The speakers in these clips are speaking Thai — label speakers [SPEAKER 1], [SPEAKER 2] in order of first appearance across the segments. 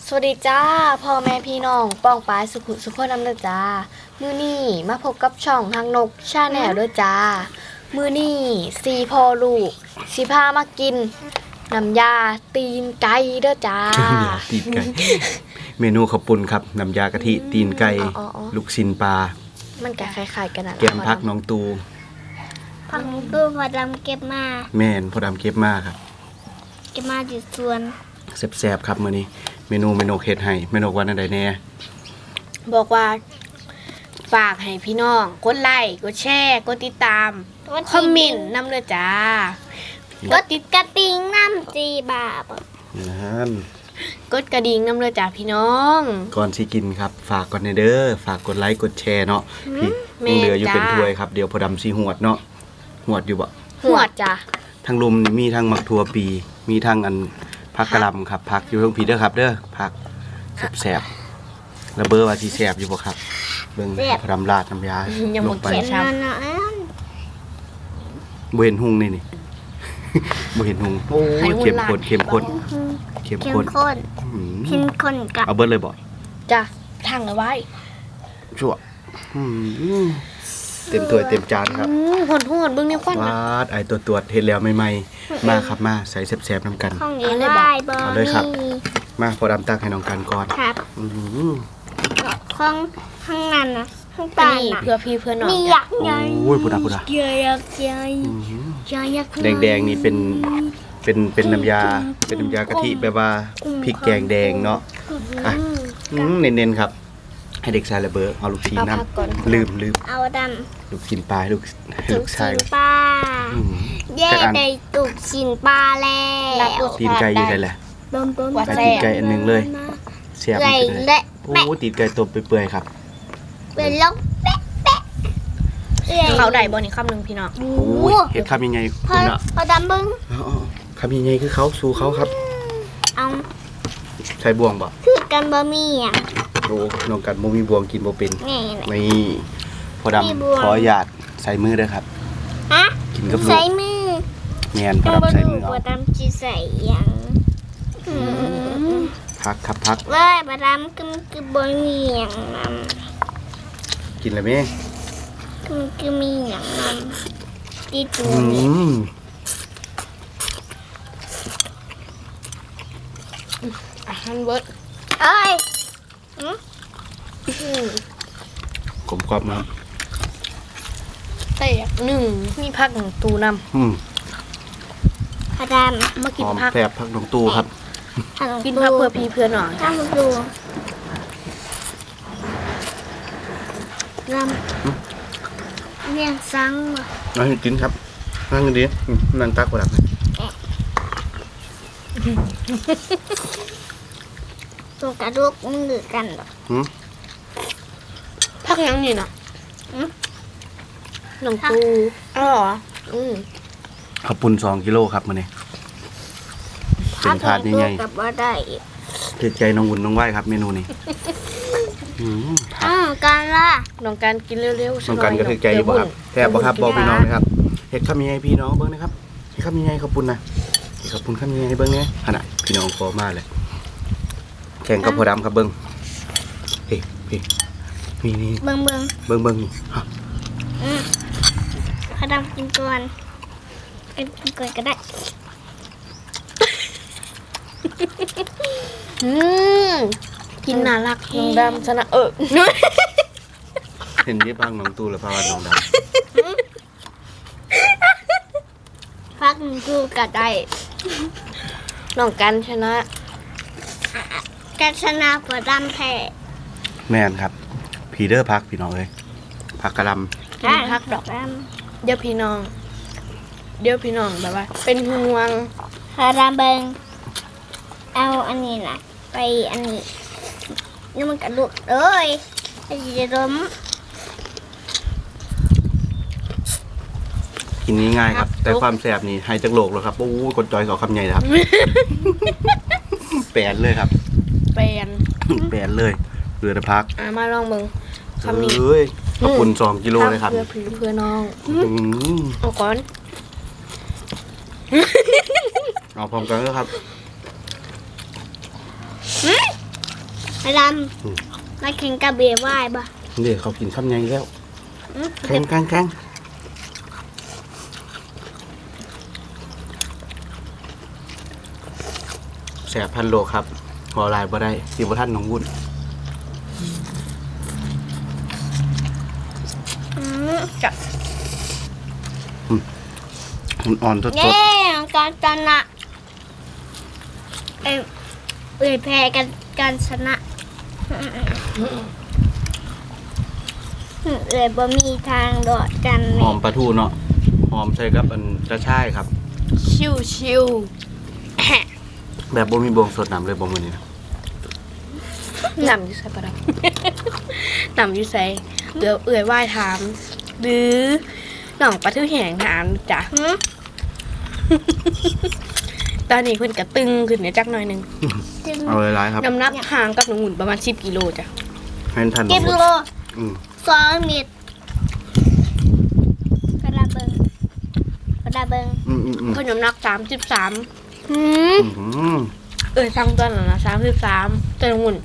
[SPEAKER 1] สวัสดีจ้าพ่อแม่พี่น้องป้องปายสุขนำเด้อจ้ามื้อนี้มาพบกับช่องทางนกชาแนลเด้อจ้ามื้อนี้สี่พ่อลูกสิพามากินน้ำยาตีนไก่เด้อจ้า
[SPEAKER 2] ตีนไก่ เมนูข้าวปุ้นครับน้ำยากะทิตีนไก่
[SPEAKER 1] อ๋อ
[SPEAKER 2] ลูกชิ้นปลา
[SPEAKER 1] มันก็คล้ายๆกันน่ะ
[SPEAKER 2] แกมพักน้องตู
[SPEAKER 3] ผักตู้พอดำเก็บมา
[SPEAKER 2] แม่นพอดำเก็บมาครับ
[SPEAKER 3] เก็บมาจากสวน
[SPEAKER 2] แซ่บๆครับมื้อนี้เมนูเฮ็ดให้เมนูวันอันใดแน่
[SPEAKER 1] บอกว่าฝากให้พี่น้องกดไลค์กดแชร์กดติดตามคอมเมนต์นำเด้อจ้า
[SPEAKER 3] ก็ติดกระติงน้ำจีบาบ
[SPEAKER 2] นั่น
[SPEAKER 1] กดกระดิ่งนำเด้อจ้าพี่น้อง
[SPEAKER 2] ก่อนสิกินครับฝากก่อนเด้อฝากกดไลค์กดแชร์เนาะพี่
[SPEAKER 1] แม่
[SPEAKER 2] ยังเหลืออยู่
[SPEAKER 1] จ้า
[SPEAKER 2] เป็นถ้วยครับเดี๋ยวพอดำสิหวดเนาะหวดอยู่บ่
[SPEAKER 1] หัวจ้า
[SPEAKER 2] ทั้งลุมนี่มีทั้งมักทั่วปีมีทั้งอันผักกะหล่ำครับผักอยู่ตรงผีเด้อครับเด้อผักแซ่บๆแล้วเบอร์ว่าสิแซ่บอยู่บ่ครับเบิ่งพอดำราดน้ำยา
[SPEAKER 1] ยัง
[SPEAKER 2] ล
[SPEAKER 1] บ่
[SPEAKER 2] งไป
[SPEAKER 1] เขียน
[SPEAKER 3] นอนนอน
[SPEAKER 2] บ่เห็นหุงนี่ บ่เห็นหุงโอ้ยเข้มข้นเข้มข้นเข้ม
[SPEAKER 3] เข้ม
[SPEAKER 2] ข้น
[SPEAKER 3] ข้น
[SPEAKER 2] อืม
[SPEAKER 3] เข้มข้นกับ
[SPEAKER 2] เอาเบิดเลยบ่
[SPEAKER 1] จ้าทางเอาไว้
[SPEAKER 2] ชั่วอืมเต็มถ้วยเต็มจานครับ
[SPEAKER 1] หอนเบิ่งในควัน
[SPEAKER 2] วา
[SPEAKER 1] นะ
[SPEAKER 2] ดไอ้ตัวเฮ็ดแล้วใหม่ๆมาครับมาใส่แซ่บๆนํกัน
[SPEAKER 3] ห้องนี้ไหว้บอ
[SPEAKER 2] เอาเลยครับ
[SPEAKER 3] นี่
[SPEAKER 2] มาพอดำตักให้น้องกันก่อน
[SPEAKER 3] ครับ
[SPEAKER 2] อืม
[SPEAKER 3] ห้องข้างนั้นนะข้าง
[SPEAKER 1] อัน
[SPEAKER 3] ใต้
[SPEAKER 1] นี้
[SPEAKER 3] น่ะ
[SPEAKER 1] เพื่อพี่เพื่อน้อง
[SPEAKER 3] มี
[SPEAKER 1] จ้ะ
[SPEAKER 3] ยักษ์ใหญ่
[SPEAKER 2] โอ้ยพุดา
[SPEAKER 3] ใหญ่ยักษ์ใหญ่
[SPEAKER 2] อืม
[SPEAKER 3] ใหญ่ยักษ์ใหญ่
[SPEAKER 2] แดงๆนี่เป็นน้ำยากะทิแบบว่าพริกแกงแดงเนาะอ่ะเน้นๆครับ ให้เด็กชายระเบิดเอาลูกชิ้น
[SPEAKER 1] เอา
[SPEAKER 2] น้
[SPEAKER 1] พักก่อน
[SPEAKER 2] ำลืม
[SPEAKER 3] เอาด
[SPEAKER 2] ลูกชิ้นปลาให้ลูก
[SPEAKER 3] ำ
[SPEAKER 2] ลูกชาย
[SPEAKER 3] สินปลา
[SPEAKER 2] อืม
[SPEAKER 3] เย่ได้ตุกสินปลาแล้
[SPEAKER 1] รัก
[SPEAKER 3] ว
[SPEAKER 1] ลูก
[SPEAKER 2] ตีนไก่อยู่ไหนแหละ
[SPEAKER 3] ต้ม
[SPEAKER 1] ว่า
[SPEAKER 2] ให้
[SPEAKER 1] แซ่
[SPEAKER 2] ตีน
[SPEAKER 1] บ
[SPEAKER 2] ไก่อันหนึงเลยเสียบ
[SPEAKER 3] ไก่
[SPEAKER 2] มันไปเลย
[SPEAKER 3] และ
[SPEAKER 2] โอ้ตีนไก่ต้มเปื่อยๆครับ
[SPEAKER 3] เป็นลกแป๊ะแป๊ะเอ้ย
[SPEAKER 1] เขาได้บ่นี่คำหนึงพี่น้อง
[SPEAKER 3] โอ้
[SPEAKER 2] โอ้ยเห็ดคำยังไง
[SPEAKER 3] พอ
[SPEAKER 2] คุณอะ
[SPEAKER 3] พอดำบึ้ง
[SPEAKER 2] อ๋อคำยังไงคือเขาสู่เขาครับ
[SPEAKER 3] เอา
[SPEAKER 2] ใช้บ่วงบ่
[SPEAKER 3] คือกันบะหมี่อ่ะ
[SPEAKER 2] โอ้น้องกันบ่มีบ่วงกินบ่เป็น
[SPEAKER 3] นี่แหละ
[SPEAKER 2] นี่พอ
[SPEAKER 3] มี
[SPEAKER 2] ดำ
[SPEAKER 3] บ่วง
[SPEAKER 2] ขออนุญาตใส่มือเด้อครับ
[SPEAKER 3] ฮะ
[SPEAKER 2] กินกับลู
[SPEAKER 3] ใส่
[SPEAKER 2] ก
[SPEAKER 3] มือ
[SPEAKER 2] แม่นพอ
[SPEAKER 3] ต้อง
[SPEAKER 2] ดำใส่มือ
[SPEAKER 3] พ
[SPEAKER 2] เอา
[SPEAKER 3] อดำจีใส่ยังอืม
[SPEAKER 2] พักครับพัก
[SPEAKER 3] ว่าพอดำคือบะหมี่อย่างนั้น
[SPEAKER 2] กินเลยไหม
[SPEAKER 3] คือมีอย่างนั้นที่ตู
[SPEAKER 2] อื
[SPEAKER 3] นี่
[SPEAKER 2] ม
[SPEAKER 1] อาหารเบิด
[SPEAKER 3] เอ้ย
[SPEAKER 2] กลมกรอบนะครับ
[SPEAKER 1] แตกหนึ่งมีพักหนึ่งตูน
[SPEAKER 2] อืม
[SPEAKER 3] พอด
[SPEAKER 1] ำมา
[SPEAKER 2] ห
[SPEAKER 1] กิน
[SPEAKER 2] อม
[SPEAKER 1] พัก
[SPEAKER 2] แซ่บพักน้องตู้ครับ
[SPEAKER 3] ำทาง
[SPEAKER 1] กินพักเพื่อพี่เพื่อน้อง
[SPEAKER 3] ทางดูลำเนี่ยซังว่ะ
[SPEAKER 2] เอาให้กินครับนั่งกันดีนั่งตักพอดำเลย
[SPEAKER 3] ตัวกระดูกมือกันเหรอ
[SPEAKER 2] อืม
[SPEAKER 1] พักยังนี่น่ะหนองตูอ๋อเหรอ
[SPEAKER 2] ข้าวปุ้น2 กิโลครับมื้อนี้เป็นถาดใหญ่
[SPEAKER 3] กับว่าได้
[SPEAKER 2] ๆถือใจน้องอุ่นน้องไหว้ครับเมนูนี้อืม
[SPEAKER 3] การล่ะ
[SPEAKER 1] น้องการกินเร็วๆ
[SPEAKER 2] น้องกันก็ถือใจอยู่บ่ครับแซ่บบ่ครับบอกพี่น้องนะครับเฮ็ดคำยังไงพี่น้องเบิ่งนะครับเฮ็ดคำยังไงข้าวปุ้นนะเฮ็ดข้าวปุ้นคำยังไงเบิ่งแหน่ขนาดพี่น้องขอมาเลยแข่งกับพอดำครับเบิ่งเฮ้นี่นี่
[SPEAKER 3] เบิ่ง
[SPEAKER 2] เบิ่งนี่ฮะ
[SPEAKER 3] พอดำกินก่อนกินก่อนก็ได้
[SPEAKER 1] กินน่ารักน้องดำชนะ
[SPEAKER 2] เห็นยี่พังน้องตู้หรือพาวันน้องด
[SPEAKER 3] พักหนึ่งกูก็ได้
[SPEAKER 1] น้องกันชนะ
[SPEAKER 3] การชนะพอดำแพ้
[SPEAKER 2] ำแม่นครับพีเดอร์พักพี่น้องเลยพักกะหล
[SPEAKER 1] กินพักดอกเดี๋ยวพี่น้องแบบว่า เป็นห่วง
[SPEAKER 3] พอดำเบิ่งเอาอันนี้นะไปอันนี้นี่มันกระดูกเอ้ยไอ้จะล้ม
[SPEAKER 2] ำกินง่ายๆครับ แต่ความแซ่บนี่ให้จักโลกแล้วครับโอ้ยกดจอยเขาคำใหญ่นะครับ แปนเลยครับ
[SPEAKER 1] แปน
[SPEAKER 2] แปนเลยเรือแต่พัก
[SPEAKER 1] มาลองเบิ่งคำนี้
[SPEAKER 2] เอ้ยข้าวปุ้น2 กิโลเลยครับ
[SPEAKER 1] เพื่อพี่เพื่อน้อง
[SPEAKER 2] อืม
[SPEAKER 1] เอาก่อน
[SPEAKER 2] เอาพร้อมกันเลยครับ
[SPEAKER 3] ดำมาแข่งกับเบียร์ว่ายบ่
[SPEAKER 2] เดี๋ยวเขากินข้าวใหญ่แล้วแข็งแสบพันโลครับหัวลายบ่ได้สิบ่ท่านน้องวุ่น
[SPEAKER 1] จับ
[SPEAKER 2] มันอ่อนสด
[SPEAKER 3] เย้การชนะแพ้กันการชนะบ่มีทางโดดกัน
[SPEAKER 2] ๆหอมปลาทูเนาะหอมใส่กับอันกระชายครับ
[SPEAKER 1] ชิว
[SPEAKER 2] แบบบ่มีบวงสดน้ำเลยบ่มื้อนี้นะ
[SPEAKER 1] ๆนำอยู่ใส่ปะดับ นำอยู่ใส่เอื่อยว่ายถาม หรือหน่องปลาทูแห้งถามจ้ะ ตอนนี้เพิ่นกระตึงขึ้นเนี่ยจักหน่อยหนึง
[SPEAKER 2] เอาหลายๆครับ
[SPEAKER 1] น้ำหนักห่างกับน้องหุ่นประมาณ10กิโลจ้ะ
[SPEAKER 2] ให้ท่านน้
[SPEAKER 3] เก็
[SPEAKER 2] อบ งวุ่น
[SPEAKER 3] โล
[SPEAKER 2] อืม
[SPEAKER 3] 2 เม็ดกระดาเบิง
[SPEAKER 2] อืม
[SPEAKER 1] เพิ่นน้ำหนัก33หืม
[SPEAKER 2] อืม
[SPEAKER 1] สั่งตอนนั้นนะ33แต่น้องหุ่น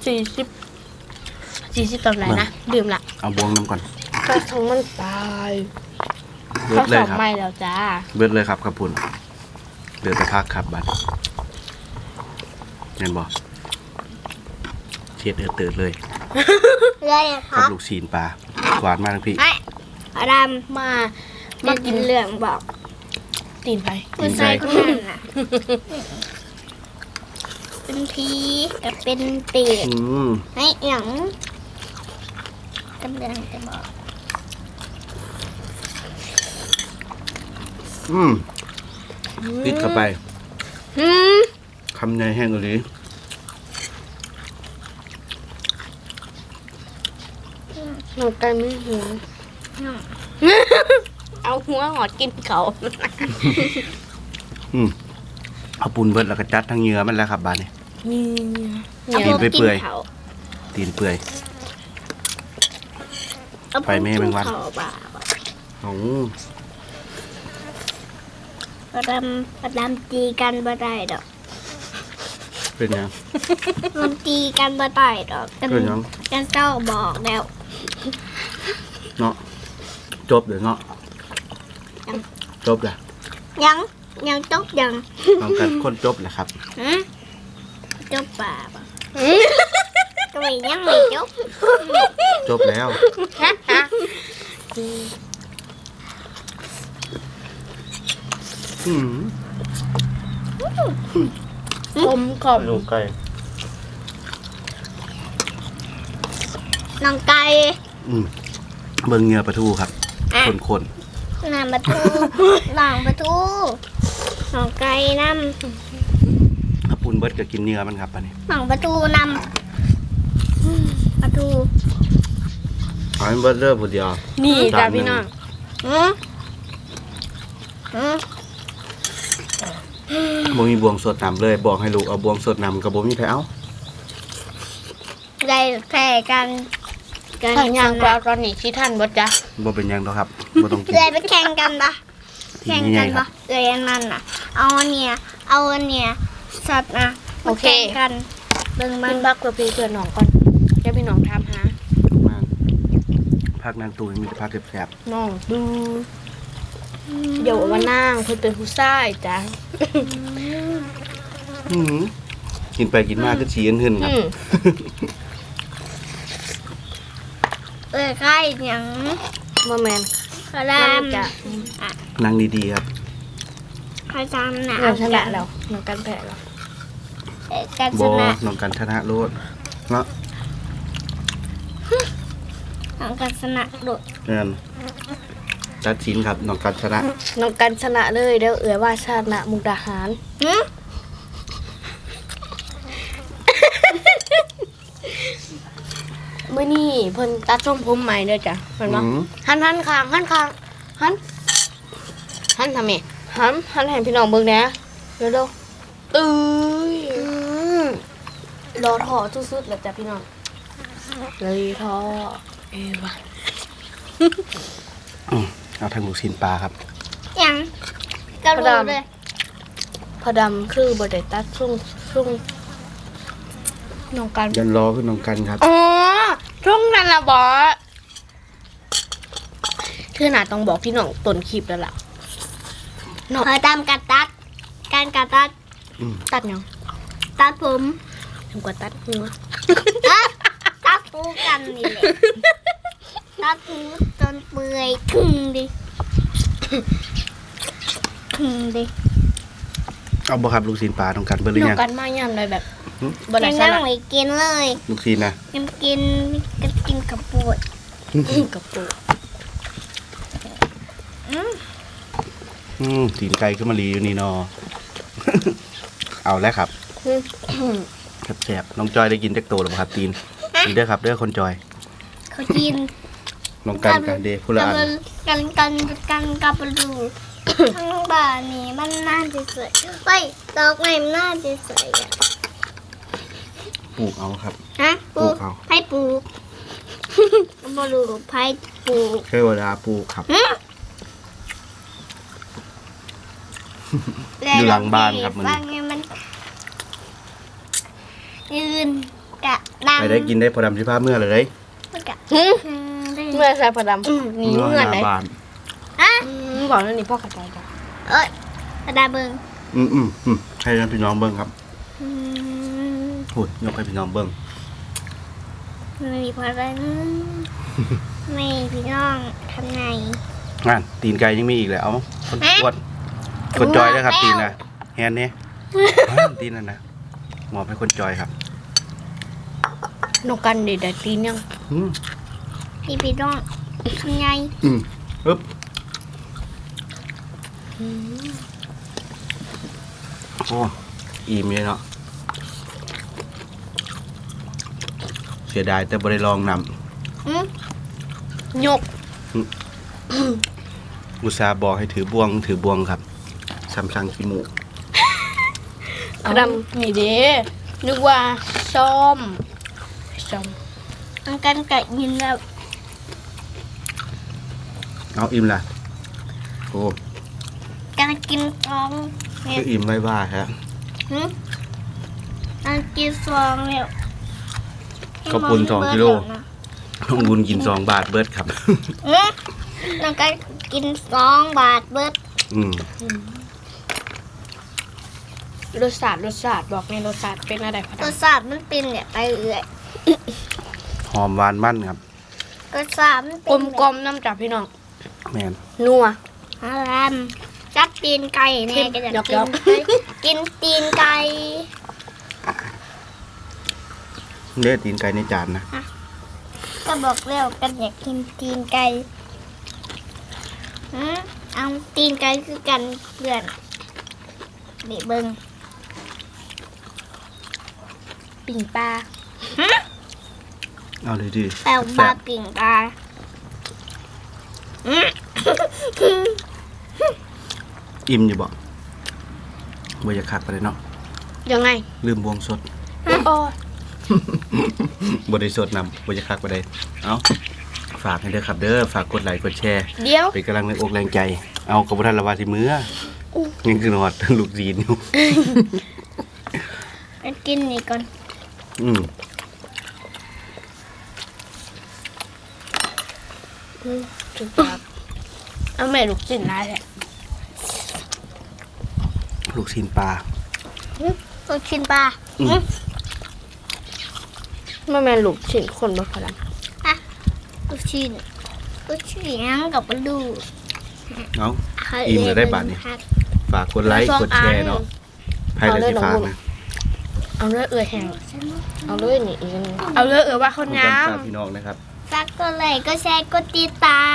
[SPEAKER 1] 40ตอนไหนนะดื่มละ
[SPEAKER 2] เอาบวงน้ำก่อน
[SPEAKER 1] ก็ทั้งมันตาย
[SPEAKER 2] เบิ
[SPEAKER 1] เขา
[SPEAKER 2] ดเล
[SPEAKER 1] ส
[SPEAKER 2] ย
[SPEAKER 1] อบ
[SPEAKER 2] ครับ
[SPEAKER 1] ไม่แล้วจ้า
[SPEAKER 2] เบิดเลยครับครับพุ่นเดือดตะพักครับบัดเห็นบ่เช็ดเตือดเลย
[SPEAKER 3] เลยค
[SPEAKER 2] กับ
[SPEAKER 3] รับ
[SPEAKER 2] ลูกชิ้นปลาหวานมากทั้งพี่
[SPEAKER 3] กระด
[SPEAKER 1] มา
[SPEAKER 3] ำ
[SPEAKER 1] มา
[SPEAKER 3] มา
[SPEAKER 1] กิ
[SPEAKER 3] กิ
[SPEAKER 1] น
[SPEAKER 3] นเหลืองบอก
[SPEAKER 1] ตีนไป
[SPEAKER 3] คุณชายคนนั้นน่ะเป็นพีกับเป็นเตีด
[SPEAKER 2] อืม
[SPEAKER 3] ให้หยังกำลังจะบอก
[SPEAKER 2] ติดเข้าไป
[SPEAKER 1] หืม
[SPEAKER 2] คำใหญ่แห้งกว่านี้
[SPEAKER 1] หนูกันไม่หิว เอาหัวหอดกินเขา
[SPEAKER 2] เอาปูนเบิดแล้วก็จัดทั้งเนื้อมันแล้วครับบาดนี้
[SPEAKER 1] นี่
[SPEAKER 3] เอา
[SPEAKER 2] กิน
[SPEAKER 3] พวก
[SPEAKER 2] ไป
[SPEAKER 3] กิ
[SPEAKER 2] เปื่
[SPEAKER 3] น
[SPEAKER 2] อย
[SPEAKER 3] เขา
[SPEAKER 2] ตีนเปื่อย
[SPEAKER 3] เอาพวก
[SPEAKER 2] ไปแม่
[SPEAKER 3] กิ
[SPEAKER 2] แม
[SPEAKER 3] น
[SPEAKER 2] งวัน
[SPEAKER 3] เขาบ่า
[SPEAKER 2] โอ้
[SPEAKER 3] ประดำตีกันบ่ได้ดอก
[SPEAKER 2] เป็นยัง
[SPEAKER 3] มันตีกันบ่ได้ดอกกัน
[SPEAKER 2] เป็นหยัง
[SPEAKER 3] กันเจ้าบอกแล้ว
[SPEAKER 2] เนาะจบเดี๋ยวเนาะจบเลย
[SPEAKER 3] ยังจบยัง
[SPEAKER 2] ลองกันคนจบแหละครับ
[SPEAKER 3] ฮะจบป่าบ่ก็ไม่ยังไม่จบ
[SPEAKER 2] จบแล้ว อืม
[SPEAKER 1] คมกล่อม
[SPEAKER 2] ลูกไก่
[SPEAKER 3] น้องไก่
[SPEAKER 2] เบิ่งเนื้อปลาทูครับ
[SPEAKER 3] อ่ะ
[SPEAKER 2] คน
[SPEAKER 3] น้ำประตูหลังประตูน้องไก่น้
[SPEAKER 2] ๆถ้าปูนเบิดก็กินเนื้อมันครับอันนี้
[SPEAKER 3] ำหลังประตูน้ำประตู
[SPEAKER 2] เอาให้เบิดเริ่มผู้เดียว
[SPEAKER 1] นี่จ้าพี่น้อง
[SPEAKER 3] หืมหืม
[SPEAKER 2] บ่มีบวงสดน้ำเลยบอกให้ลูกเอาบวงสดน้ำกับบ่มีใครเอา
[SPEAKER 3] ได้แพ้กัน
[SPEAKER 1] ทางยางปลาตอนนี้ที่ท่านบดจ้ะ
[SPEAKER 2] บ่เป็นหยังดอกครับบ่ต้องกิน
[SPEAKER 3] เลยไปแข่งกันปะ
[SPEAKER 2] ที
[SPEAKER 3] แข่ง
[SPEAKER 2] ให
[SPEAKER 3] กั
[SPEAKER 2] ญ่
[SPEAKER 3] น
[SPEAKER 2] ๆครั
[SPEAKER 3] ปะ
[SPEAKER 2] บ
[SPEAKER 3] เลยอันนั้นน่ะ เอาอันเนี้ยสัตว์นะมาแข่งกันเบิ่งมั
[SPEAKER 1] กิ
[SPEAKER 3] น
[SPEAKER 1] นบักกับพี่เพื่อนน้องก่อนเดี๋ยวพี่น้องถามหา
[SPEAKER 2] มาพักนางตูนมีแต่พักแซ่บ
[SPEAKER 1] น้องดูเดี๋ยววันนางเพิ่นเป็นผู้ชายจ้ะ
[SPEAKER 2] ๆกินไปกินมาก็ฉี่ขึ้นครับ
[SPEAKER 3] ใกล้หยัง
[SPEAKER 1] บ่แม่น
[SPEAKER 3] กระดาม
[SPEAKER 1] จ้ะ
[SPEAKER 2] นั่งดีๆครับ
[SPEAKER 3] กระดามหนา
[SPEAKER 1] น้องชนะ
[SPEAKER 3] กั
[SPEAKER 1] แล้วน้องกันแพ้แล้ว
[SPEAKER 3] กันช
[SPEAKER 2] บ่
[SPEAKER 3] นะ
[SPEAKER 2] น้องกันชนะโลดเนาะ
[SPEAKER 3] น้องกันชนะโดด
[SPEAKER 2] นั่นตัดสินครับน้องกันชนะ
[SPEAKER 1] น้องกันชนะเลยเดี๋ยวเอ๋ยว่าชนะมุกดาหาร
[SPEAKER 3] หืม
[SPEAKER 1] มื้อนี้เพิ่นตัดทรงผมใหม่เด้อจ้ะเห็นบ่หันข้างหันทำไมหันให้พี่น้องเบิ่งแหน่เร็วๆตื้ยรอถอสุดๆแล้วจ้ะพี่น้องเลยทอเอวะ
[SPEAKER 2] เอาทางลูกชิ้นปลาครับ
[SPEAKER 3] หยังกระโดดเลย
[SPEAKER 1] พอดำคือบ่ได้ตัดช่วงน้องกัน
[SPEAKER 2] ยันรอขึ้นน้องกันครับ
[SPEAKER 1] อ๋อช่วงนั้นละบอสคือหนาต้องบอกพี่น้องต้นคลิปแล้วล่ะ
[SPEAKER 3] เคยตามการตัดตัด
[SPEAKER 1] ตัดยัง
[SPEAKER 3] ตัดผม
[SPEAKER 1] ทำกว่าตัดหัว
[SPEAKER 3] ตัดหูกันนี่แหละตัดหูจนเปื่อยคึงดิ
[SPEAKER 2] เอาบ่ครับลูกชิ้นปลาน้องกันเบิ่งหรือ
[SPEAKER 1] น้อ
[SPEAKER 2] ยัง ง
[SPEAKER 1] กันมาย่ำเลยแบบ
[SPEAKER 2] หึ
[SPEAKER 1] บได
[SPEAKER 3] ยัง
[SPEAKER 1] ส
[SPEAKER 3] นั่
[SPEAKER 1] ลั
[SPEAKER 3] ง
[SPEAKER 1] ด
[SPEAKER 3] ไม่กินเลย
[SPEAKER 2] ลูกชิ้นนะ
[SPEAKER 3] ยังกินกับปวด
[SPEAKER 1] กับปู
[SPEAKER 2] ตีนไก่ขึ้นมาลีอยู่นี่เนาะ เอาแล้วครับแซ่บๆน้องจอยได้กินจักโตหรือเปล่าครับตีนกินเด้อครับเด้อคนจอย
[SPEAKER 3] เขากิน
[SPEAKER 2] น้องกันกันเด้ผู้ละอัน
[SPEAKER 3] กันกับดูทั้งบ้านนี่มันน่าจะสวยเฮ้ยดอกไม้มันน่าจะสวยอ่ะ
[SPEAKER 2] ปลูกเอาครับ
[SPEAKER 3] ฮะ
[SPEAKER 2] ปลูกเอา
[SPEAKER 3] ให้ปลูกบรูไผ่ปลูก
[SPEAKER 2] เทวดาปลูกครับ อยู่หลังบ้านครับมัน
[SPEAKER 3] ฟังไงมันยืนกะดัง
[SPEAKER 2] ไปได้กินได้พอดำสิพาเมื่อเลยได้
[SPEAKER 3] มันกะ
[SPEAKER 1] เมื่อใส่ผดำนี่เงื่อน
[SPEAKER 2] ห
[SPEAKER 1] ไหน
[SPEAKER 2] น้าบ้าน
[SPEAKER 3] ฮะ
[SPEAKER 1] บอกแล้วนี่พ่อขัดใจจ้ะ
[SPEAKER 3] เอ้ยกระดาเบิง
[SPEAKER 2] ให้พี่น้องเบิ้งครับ
[SPEAKER 3] อืม
[SPEAKER 2] หุ่นยกให้พี่น้องเบิ้ง
[SPEAKER 3] ไม่มีพออะไรนะไม่พี่น้องทำไง
[SPEAKER 2] งานตีนไก่ยังมีอีกเลยเอาคนอ้วนคนจอยด้วยครับตีนนะแฮนเนี่ยตีนนั่นนะหมอบให้คนจอยครับ
[SPEAKER 1] น้องกันเด็ดตีนยัง
[SPEAKER 2] อืม
[SPEAKER 3] พี่น้องทำไง
[SPEAKER 2] ปึ๊บโอ้อิ่มเลยเนาะเสียดายแต่บ่ได้ลองน
[SPEAKER 1] ยก
[SPEAKER 2] ำอุตส่าห์บอกให้ถือบวงครับซัมซังขี้หมู
[SPEAKER 1] ผดำนี่เด้นึกว่าส้ม
[SPEAKER 3] มันกันกะยินแล้ว
[SPEAKER 2] เอาอิ่มละโอ้
[SPEAKER 3] กันกินซองเนี่
[SPEAKER 2] ก็
[SPEAKER 3] ย
[SPEAKER 2] อิ่มไม่ว่าฮะ
[SPEAKER 3] กันกินซองเนี่ย
[SPEAKER 2] ข้าวปุ้น2 กิโล น้องบุญกิน2 บาทเบิดครับ
[SPEAKER 3] แล้วก็กิน2 บาทเบิด
[SPEAKER 1] รสชาติบอกในรสชาติเป็นอะไรผ
[SPEAKER 3] ร
[SPEAKER 1] ด
[SPEAKER 3] สชาติมันเป็นเนี่ยไปเอื่อย
[SPEAKER 2] หอมหวานมันครับ
[SPEAKER 3] รสชาติมันเป็น
[SPEAKER 1] ำกลมๆน้ำจับพี่น้อง
[SPEAKER 2] แมน
[SPEAKER 1] นัว
[SPEAKER 3] อารามจัดตีนไก่แน่ก็อยาก
[SPEAKER 1] ยก
[SPEAKER 3] กินตีนไก่
[SPEAKER 2] เลือดตีนไก่ในจานนะ
[SPEAKER 3] ก็บอกแล้วกันอยากกินตีนไก่เอาตีนไก่คือกันเพื่อนนี่เบิ้ง
[SPEAKER 1] ปิ่งปลา
[SPEAKER 2] เอาเลยดิ
[SPEAKER 3] แปลวปลาปิ่งปลา
[SPEAKER 2] อิ่มอยู่บ่บ่อยากคักไปเลยเนาะ
[SPEAKER 1] ยังไง
[SPEAKER 2] ลืมบวงสด
[SPEAKER 1] โอ้
[SPEAKER 2] บ่ได้สดนำบ่อยากคักไปเลยเอาฝากให้เด้อครับเด้อฝากกดไลค์กดแชร์
[SPEAKER 1] เดี๋ยว
[SPEAKER 2] เป็นกำลังแรงอกแรงใจ เอากระบ่ทันละว่าสิมื้อนี่คือนอด ลูกจีนอยู่
[SPEAKER 3] ไปกินนี่ก่อน
[SPEAKER 1] จุดปากเอาแม่ลูกจิ้นได้แหละ
[SPEAKER 2] ลูกชิ้นปลา
[SPEAKER 3] ลูกชิ้นปลา
[SPEAKER 1] ไม่แม่ลูกชิ้นคนบ่ผด
[SPEAKER 3] ลูกชิ้นยังกับปลาดู
[SPEAKER 2] เอาอิ่มเลยได้บาทนี่ฝากกดไลค์กดแชร์เนาะใครได้สิฝากนะ
[SPEAKER 1] ำเอาเลยแห้งเอาเลยนี่อีกอันหนึ่งเอาเลยว่าคน
[SPEAKER 2] ขอบ
[SPEAKER 1] งา
[SPEAKER 2] คุณ
[SPEAKER 1] ม
[SPEAKER 2] ฝากพี่น้องนะครับ
[SPEAKER 3] ฝากกดไลค์ก็แชร์ก็ติดตาม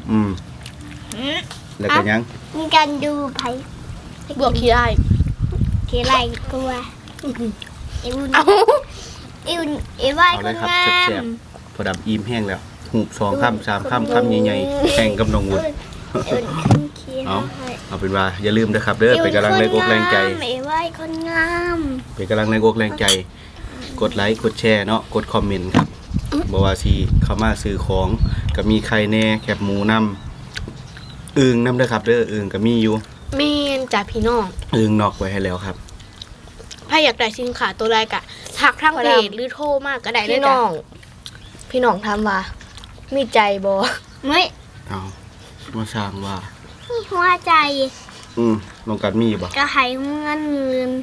[SPEAKER 2] แล้วก็ยัง
[SPEAKER 3] มีการดูไผ
[SPEAKER 1] บวกขี้ได้
[SPEAKER 3] ทีไรกลัวอีวุ่น
[SPEAKER 1] เอา
[SPEAKER 3] อีวุ่นอีไหว
[SPEAKER 2] เอา
[SPEAKER 3] ค
[SPEAKER 2] เลย
[SPEAKER 3] น
[SPEAKER 2] ครับ
[SPEAKER 3] งา
[SPEAKER 2] แซ่
[SPEAKER 3] ม
[SPEAKER 2] บๆพอดำอิ่มแห้งแล้วหูบ2 ค่ำ3 ค่ำค่ำใหญ่ๆแข่งกับน้องวุฒิ
[SPEAKER 3] อีวุ่นขึ้นเคีย
[SPEAKER 2] เอาเป็นว่าอย่าลืมนะครับเด้อเป็นกำลังแรงอกแรงใจ
[SPEAKER 3] อีไหวคนงาม
[SPEAKER 2] เป็นกำลังแรงอกแรงใจ กดไลค์กดแชร์เนาะกดคอมเมนต์ครับบอกว่าสิเข้ามาซื้อของก็มีไข่แน่แคบหมูน้ำอึ่งน้ำเด้อครับเด้ออึ่งก็มีอยู่
[SPEAKER 1] เมนจ่าพี่น้อง
[SPEAKER 2] อึ่งนอกไว้ให้แล้วครับ
[SPEAKER 4] ถ้าอยากได้สินค้าตัวใดก็ทักทางเพจหรือโทรมาก็ได้เลย
[SPEAKER 1] พี่
[SPEAKER 4] จ้ะ
[SPEAKER 1] น้อง พี่น้องถามว่า มีใจบ่
[SPEAKER 3] ไม่
[SPEAKER 2] เอามาช่างว่า
[SPEAKER 3] มีหัวใจ
[SPEAKER 2] น้องกันมีบ่
[SPEAKER 3] ก็ให้เงิน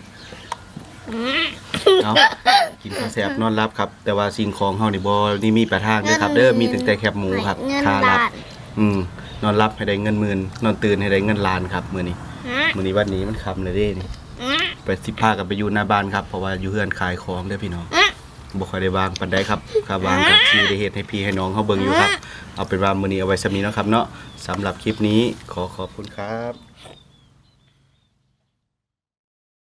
[SPEAKER 2] เอากินข้าวแซ่บนอนรับครับ แต่ว่าสิ่งของเฮานี่บ่นี่มีประทางเด้อครับ เด้อมีตั้งแต่แคบหมูครับ
[SPEAKER 3] เงิน
[SPEAKER 2] ค่ารั
[SPEAKER 3] ล้า
[SPEAKER 2] บ
[SPEAKER 3] น
[SPEAKER 2] นอนรับให้ได้เงินหมื่นนอนตื่นให้ได้เงินล้านครับมื้อนี้วันนี้มันค่ำแล้วเด้นี่ไปสิพากันไปอยู่หน้าบ้านครับเพราะว่าอยู่เฮือนขายของเด้อพี่น้องบ่ค่อยได้วางปานใดครับถ้าวางก็สิได้เฮ็ดให้พี่ให้น้องเฮาเบิ่งอยู่ครับเอาเป็นว่ามื้อนี้เอาไว้สำนี้เนาะครับเนาะสำหรับคลิปนี้ขอขอบคุณครับ